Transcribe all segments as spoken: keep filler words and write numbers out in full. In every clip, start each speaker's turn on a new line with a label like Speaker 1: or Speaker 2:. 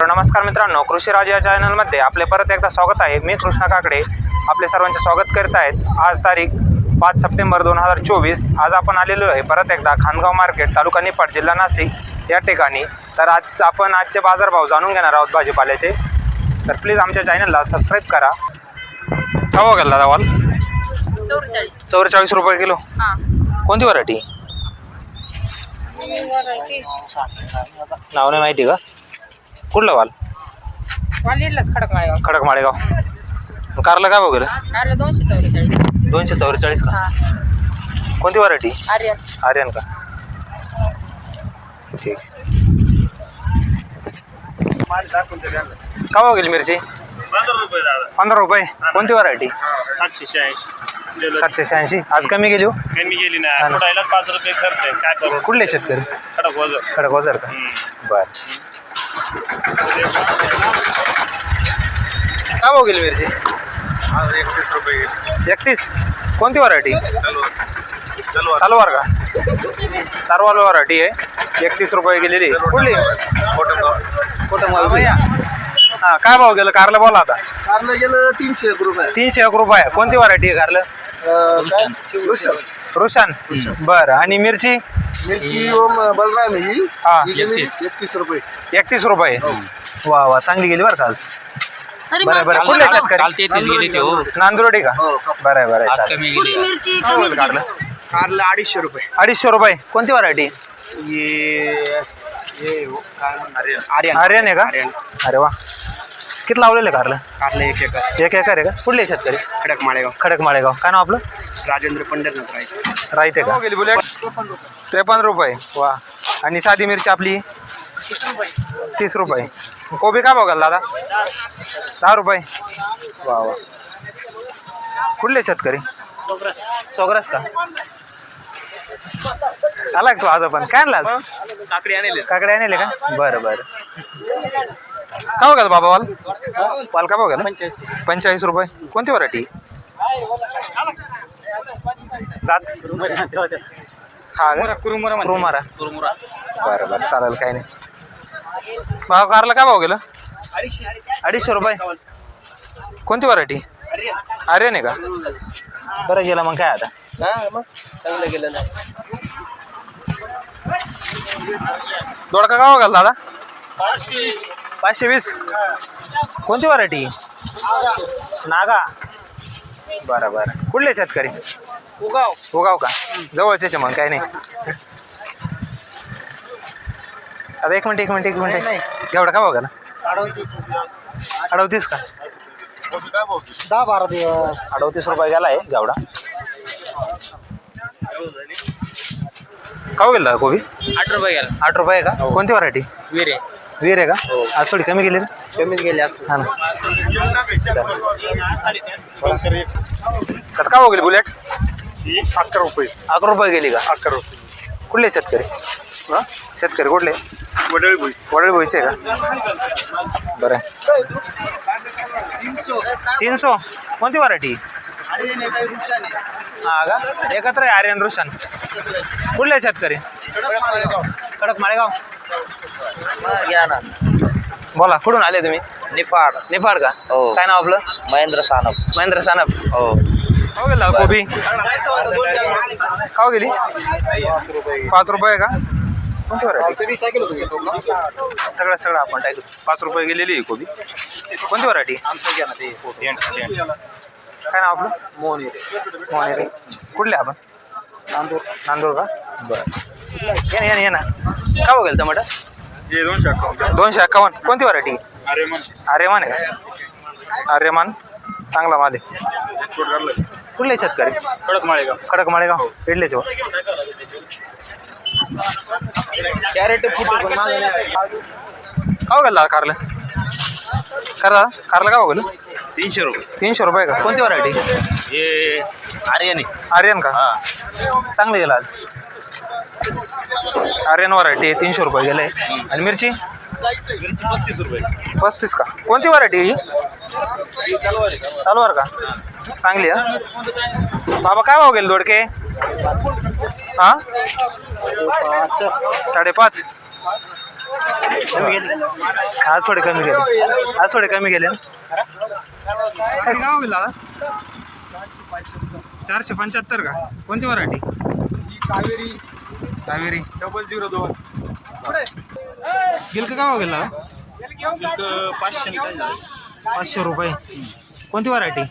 Speaker 1: नमस्कार मित्रांनो, कृषी राज या चॅनलमध्ये आपले परत एकदा स्वागत आहे। मी कृष्णा काकडे आपले सर्वांचे स्वागत करत आहेत। आज तारीख पाच सप्टेंबर दोन हजार चोवीस। आज आपण आलेलो आहे परत एकदा खानगाव मार्केट, तालुका निफाड, जिल्हा नाशिक या ठिकाणी। तर आज आपण आजचे बाजारभाव जाणून घेणार आहोत भाजीपाल्याचे। तर प्लीज आमच्या चॅनलला सबस्क्राईब करा। काय भाव गेला दावाल?
Speaker 2: चौवेचाळीस
Speaker 1: चौवेचाळीस रुपये किलो।
Speaker 2: हां,
Speaker 1: कोणती व्हरायटी? नाव नाही माहिती का? कुठलं वाल?
Speaker 2: वालीडलाच खडक माळेगाव.
Speaker 1: खडक माळेगाव। कारला काय भाव गेलं?
Speaker 2: कारला दोनशे चौवेचाळीस.
Speaker 1: दोनशे चौवेचाळीस का? कोणती व्हरायटी?
Speaker 2: आर्यन.
Speaker 1: आर्यन का? ठीक। काय भाव गेली मिरची? पंधरा रुपये। कोणती व्हरायटी?
Speaker 3: सातशे शहाऐंशी.
Speaker 1: सातशे शहाऐंशी। आज कमी गेली हो?
Speaker 3: कमी गेली ना, थोडायला पाच रुपये खर्च आहे, काय करू?
Speaker 1: कुठले शेतकरी?
Speaker 3: खडक वजन.
Speaker 1: खडक वजर का? बर। काय भाव गेली मिरची?
Speaker 3: एकतीस रुपये.
Speaker 1: एकतीस। कोणती व्हरायटी? तलवार का? तलवार व्हरायटी आहे। एकतीस रुपये गेलेली। कुठली? हा, काय भाव गेलं कारला? बोला आता।
Speaker 4: कारलं गेलं तीनशे एक रुपये.
Speaker 1: तीनशे एक रुपये। कोणती व्हरायटी आहे कारलं? रुशान। बरं। आणि मिरची?
Speaker 4: मिरची ओम बलराम आहे ही.
Speaker 1: हा,
Speaker 4: ही गेली एकतीस रुपये.
Speaker 1: एकतीस रुपये। वा वा, चांगली गेली बरं का आज। बरं बरं। कुठले शेतकरी? नांदुर्डी का?
Speaker 4: हो,
Speaker 1: बरं आहे बरं आहे, चालेल।
Speaker 2: पुडी मिरची
Speaker 1: काय होईल कारलं?
Speaker 4: कारलं अडीचशे रुपये.
Speaker 1: अडीचशे रुपये। कोणती व्हरायटी?
Speaker 4: ये ये काय म्हणणार? आर्यन.
Speaker 1: आर्यन आहे का?
Speaker 4: आर्यन.
Speaker 1: अरे वा। किती लावलेलं कारलं?
Speaker 4: कारलं एक एकर.
Speaker 1: एक एकर आहे का? कुठले शेतकरी?
Speaker 4: खडक माळेगाव.
Speaker 1: खडक माळेगाव। काय नाव आपलं?
Speaker 4: राजेंद्र पंढरनाथ राय.
Speaker 1: राहते का? गेली बुलेट त्रेपन्न रुपये। वा। आणि साधी मिरची आपली तीस रुपये। कोबी काय भाव घालला दादा? दहा रुपये। वा वा। कुठले शेतकरी? चौग्रास का? आला का तू आज? पण काय आणला आज?
Speaker 4: काकडी आणले.
Speaker 1: काकडे आणले का? बरं बरं। काय भाव घाल बाबा वाल? वाल काय भाव घाल? पंचेचाळीस रुपये। कोणती व्हरायटी? जात हा का? कुरुमारा। बरं बरं, चालेल, काही नाही। भाव कारला काय भाव गेलं? अडीचशे रुपये। कोणती व्हरायटी? आर्यन आहे का? बरं गेलं मग काय आता?
Speaker 4: चांगलं गेलं ना.
Speaker 1: दोडका काय भाव घाल दादा? पाचशे वीस। कोणती व्हरायटी? नागा। बरं बरं। कुठले शेतकरी?
Speaker 4: उगाव.
Speaker 1: उगाव का? जवळचे मग काही नाही। आता एक मिनिट एक मिनिट एक मिनिट एवढा काय बघा ना? अडवतीस का?
Speaker 4: दहा बारा दिवस.
Speaker 1: अडवतीस रुपये गेला आहे गावडा। काय गेला कोबी?
Speaker 2: आठ रुपये गेला.
Speaker 1: आठ रुपये का? कोणती व्हरायटी?
Speaker 2: विरे.
Speaker 1: वीर आहे का? आज थोडी कमी गेली ना?
Speaker 4: कमीच गेले.
Speaker 1: हा ना। कसं काय गेली बुलेट?
Speaker 4: अकरा रुपये.
Speaker 1: अकरा रुपये गेली का?
Speaker 4: अकरा रुपये.
Speaker 1: कुठले शेतकरी? हा, शेतकरी कुठले?
Speaker 4: वडळी भुई.
Speaker 1: वडील बोईचे का? बरं। तीन सौ। कोणती व्हरायटी? हा का? एकत्र आहे आर्यन रुशान। कुठले शेतकरी? खडक माळेगाव।
Speaker 2: घ्या ना.
Speaker 1: बोला, कुठून आले तुम्ही?
Speaker 2: निफाड.
Speaker 1: निफाड का?
Speaker 2: हो.
Speaker 1: काय नाव आपलं?
Speaker 2: महेंद्र सानप.
Speaker 1: महेंद्र सानप।
Speaker 2: हो.
Speaker 1: काय गेला कोबी? काय गेली? पाच रुपये का? कोणती व्हरायटी? सगळं सगळं आपण टाकू। पाच रुपये गेलेली आहे कोबी। कोणती व्हरायटी? काय नाव आपलं?
Speaker 4: मोहन.
Speaker 1: मोहनेरे। कुठले आपण?
Speaker 4: नांदूर.
Speaker 1: नांदूर का? बरं। ये ना ये ना ये ना। काय बघेल टमाटर?
Speaker 3: दोनशे अकाउंट.
Speaker 1: दोनशे अठ्ठावन्न। कोणती व्हरायटी?
Speaker 3: आर्यमान.
Speaker 1: आर्यमान आहे का? आर्यमान चांगला माल आहे। कुठले शेतकरी?
Speaker 3: खडक माळेगाव.
Speaker 1: खडक माळेगाव। पेडलेचे हो?
Speaker 4: कॅरेट फुटे पण मागे नाही.
Speaker 1: काय गेला कारलं? करा कारला काय बघेल?
Speaker 3: तीनशे रुपये.
Speaker 1: तीनशे रुपये का? कोणती व्हरायटी?
Speaker 3: हे आर्यन.
Speaker 1: आर्यन का? चांगलं गेलं आज। आर्यन व्हरायटी तीनशे रुपये गेले। आणि मिरची?
Speaker 3: मिरची पस्तीस रुपये.
Speaker 1: पस्तीस का? कोणती व्हरायटी ही? तलवार का? चांगली आहे। बाबा काय भाव गेले दोडके? हा, साडेपाच। आज थोडे कमी गेले आज थोडे कमी गेले ना काय गाव गेला चारशे पंच्याहत्तर का कोणती variety
Speaker 4: Kaveri
Speaker 1: Kaveri
Speaker 4: double zero दोन
Speaker 1: गिलक गाव गेला
Speaker 4: पाचशे
Speaker 1: पाचशे रुपये कोणती व्हरायटी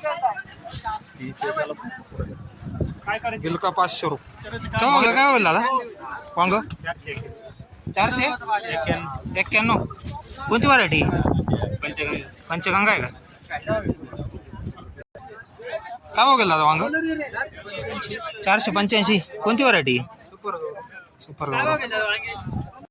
Speaker 1: गिलका पाचशे रुपये वांग काय होईल दादा वांग चारशे एक्क्याण्णव कोणती व्हरायटी पंचगंगा आहे का काय भाव गेला दादा वांग चारशे पंच्याऐंशी कोणती व्हरायटी सुपर सुपर